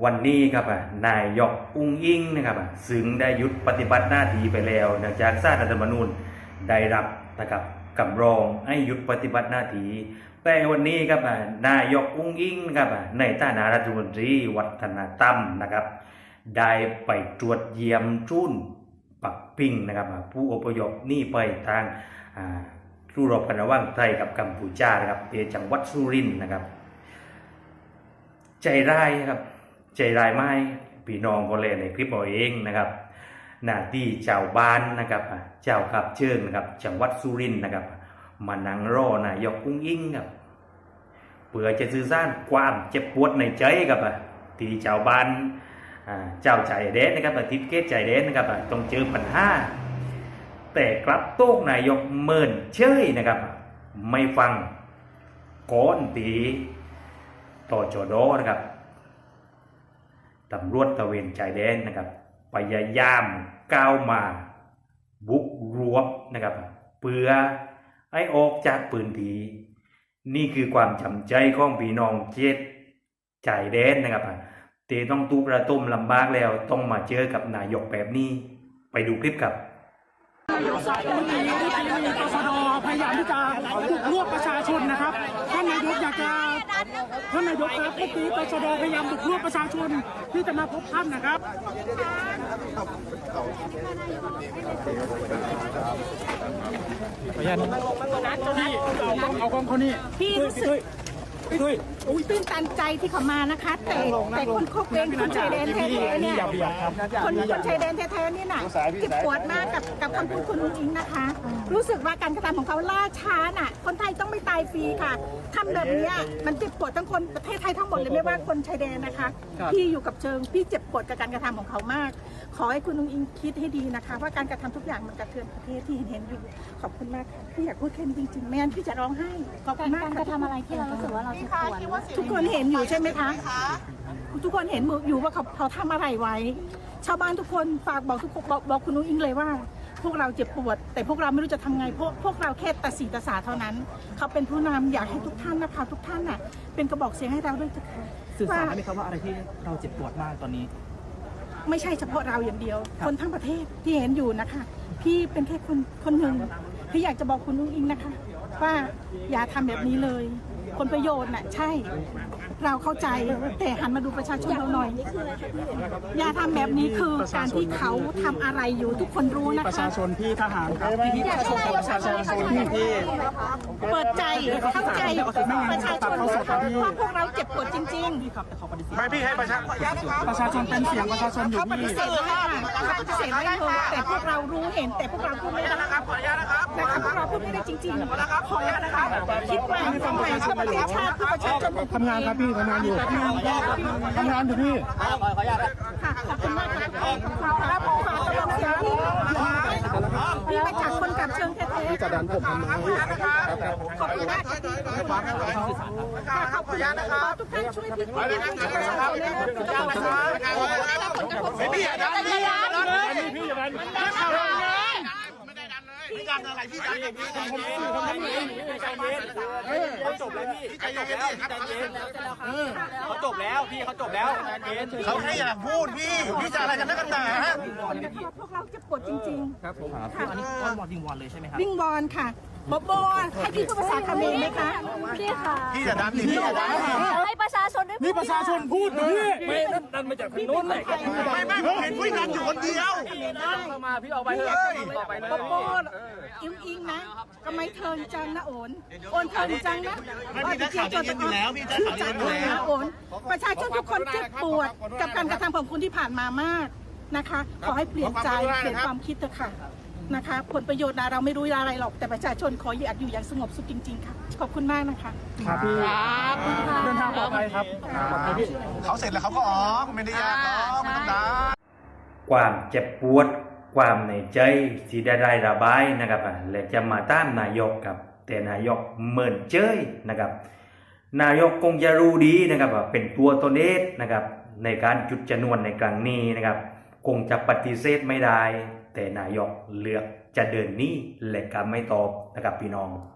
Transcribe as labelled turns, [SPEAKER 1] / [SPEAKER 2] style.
[SPEAKER 1] วันนี้ครับนายกอุ้งอิงนะครับซึ่งได้หยุดปฏิบัติหน้าที่ไปแล้วเนื่องจากศาลรัฐธรรมนูญได้รับนะครับคำร้องให้หยุดปฏิบัติหน้าที่แต่วันนี้ครับนายกอุ้งอิงนะครับในฐานะรัฐมนตรีวัฒนธรรมนะครับได้ไปตรวจเยี่ยมจุนปักปิ่งนะครับผู้อพยพนี่ไปทางสู้รบกันระหว่างไทยกับกัมพูชานะครับที่จังหวัดสุรินทร์นะครับใจร้ายครับใจร้ายไหมพี่น้องคนเล่นในคลิปเอาเองนะครับหน้าที่เจ้าบ้านนะครับเจ้าขับเชิญนะครับจังหวัดสุรินทร์นะครับมานั่งรอนายกอุ้งอิงครับเพื่อจะสื่อสารความเจ็บปวดในใจครับที่เจ้าบ้านเจ้าใจแดนนะครับทิศเกตใจแดนนะครับต้องเจอปัญหาแต่กลับโต้นายกเมินเชยนะครับไม่ฟังก้อนตีต่อจอดอนะครับตำรวจตะเวนชายแดนนะครับพยายามก้าวมาบุกรวบนะครับเพื่อให้ออกจากพื้นที่นี่คือความจำใจของพี่น้องเจ็ดชายแดนนะครับเตต้องตูประต้มลำบากแล้วต้องมาเจอกับนายกแบบนี้ไปดูคลิปครับ
[SPEAKER 2] ตชด.พยายามที่จะบุกรวบประชาชนนะครับท่านนายกอยากจะครับเมื่อกี้ตชด.พยายามบุกรวบประชาชนที่จะมาพบท่านนะครับพยานพี่เอากองเขานี่
[SPEAKER 3] พี่รู้สึกตื้นตันใจที่เขามานะคะแต่คนคบเองคนชายแดนแท้ๆเนี่ยคนชายแดนแท้ๆนี่น่ะเจ็บปวดมากกับคำพูดคุณอุ้งอิงนะคะรู้สึกว่าการกระทำของเขาล่าช้าน่ะคนไทยต้องไม่ตายฟรีค่ะทำแบบนี้มันเจ็บปวดทั้งคนประเทศไทยทั้งหมดเลยไม่ว่าคนชายแดนนะคะพี่อยู่กับเชิงพี่เจ็บปวดกับการกระทำของเขามากขอให้คุณอุ้งอิงคิดให้ดีนะคะว่าการกระทำทุกอย่างมันกระเทือนประเทศที่เห็นอยู่ขอบคุณมากค่ะพี่อยากพูดแค่นี้จริงๆไม่งั้นพี่จะร้องไห้ขอบคุณมาก
[SPEAKER 4] การกระทำอะไรที่เรารู้สึกว่าเราเจ็บปวด
[SPEAKER 3] ทุกคนเห็นอยู่ใช่ไหมคะทุกคนเห็นอยู่ว่าเขาทำอะไรไว้ชาวบ้านทุกคนฝากบอกทุกคนบอกคุณนุ้งอิงเลยว่าพวกเราเจ็บปวดแต่พวกเราไม่รู้จะทำไงพวกเราแค่ตัดสีตาสาเท่านั้นเขาเป็นผู้นำอยากให้ทุกท่านนะคะทุกท่านน่ะเป็นกระบอกเสียงให้เราด้วยเถอะค่ะ
[SPEAKER 2] สื่อสารได้ไหมครับว่าอะไรที่เราเจ็บปวดมากตอนนี้
[SPEAKER 3] ไม่ใช่เฉพาะเราอย่างเดียวคนทั้งประเทศที่เห็นอยู่นะคะพี่เป็นแค่คนหนึ่งพี่อยากจะบอกคุณนุ้งอิงนะคะว่าอย่าทำแบบนี้เลยผลประโยชน์น่ะใช่เราเข้าใจแต่หันมาดูประชาชนเราหน่อยอย่าทำแบบนี้คือการที่เขาทำอะไรอยู่ทุกคนรู้นะคะ
[SPEAKER 2] ประชาชนพี่ทหารครับพี่ประชาชนพี่
[SPEAKER 3] เปิดใจเข้าใจประชาชนว่าพวกเราเจ็บปวดจริง
[SPEAKER 2] ๆไม่พี่ให้ประชาชนเป็นเสียงประชาชนอยู่ที่
[SPEAKER 3] เขาปฏิเสธไม่ถูกแต่พวกเรารู้เห็นแต่พวกเราพูดไม่ได้นะครับพวกเราพูดไม่ได้จริงๆขอนะคะคิดว่าทำไมเพื่อประเทศชาติเพื่อประชาชน
[SPEAKER 2] ทำงานครับพี่ทำงานอยู่พี่
[SPEAKER 3] ค่ะขอบคุณมากค่ะรับขอกำลังเสียงพี่มาจากคนกับเชิงแท้ๆ
[SPEAKER 2] พี่จะดันผมทำไม
[SPEAKER 3] ขอบคุณมากค่ะขอบคุณนะครับทุกท่านช่วยพี่ประชาชนนะครับ
[SPEAKER 2] พี่อย่าดันพี่อย่าดันพี่อย่าดันพี่ดันอะไรพี่ดันเขาจบแล้วพี่ใจเย็นเขาจบแล้วพี่เขาจบแล้วเขาแค่อยากพูดพี่จะอะไรกันนักหนา
[SPEAKER 3] พวกเราเจ็บปวดจริงๆ
[SPEAKER 2] ครับผมอันนี้ก้อนวอนวิงวอนเลยใช่ไหมครับ
[SPEAKER 3] วิงวอนค่ะบให้พี่พูดภาษาเขมรไหมคะ
[SPEAKER 4] พี่ค่ะ
[SPEAKER 2] พี่จะดันพี่จะดัน
[SPEAKER 4] ให้ประชาชนได้
[SPEAKER 2] นี่ประชาชนพูดนะพี่
[SPEAKER 5] ไม่ดันมาจากทางโน้นเลย
[SPEAKER 2] ไม่ผมเห็นพี่ดันอยู่คนเดียว
[SPEAKER 5] เข้ามาพี่เอาไปเถอะต่อไปเลย
[SPEAKER 3] อิงนะทำไมเทินจังนะโอนเทินจังนะ
[SPEAKER 2] พี่จะข่าวเย็นอยู่แล้วพี่จะข่าวเย็นอยู่แล้ว
[SPEAKER 3] โอนประชาชนทุกคนเจ็บปวดกับการกระทำของคุณที่ผ่านมามากนะคะขอให้เปลี่ยนใจเปลี่ยนความคิดเถอะค่ะนะคะผลประโยชน์เราไม่รู้อะไรหรอกแต่ประชาชนขออยากอยู่อย่างสงบสุขจริงๆค่ะขอบคุณมากนะคะ
[SPEAKER 2] ครับพี่เดินทางปลอดภัยครับเขาเสร็จแล้วเขาก็ออกไม่ได้ยากหรอกไม่ต้องด่า
[SPEAKER 1] ความเจ็บปวดความในใจที่ได้ระบายนะครับและจะมาตามนายกครับแต่นายกเมินเฉยนะครับนายกคงจะรู้ดีนะครับว่าเป็นตัวตนเองนะครับในการจุดชนวนในครั้งนี้นะครับคงจะปฏิเสธไม่ได้แต่นายกเลือกจะเดินหนีและก็ไม่ตอบนะครับพี่น้อง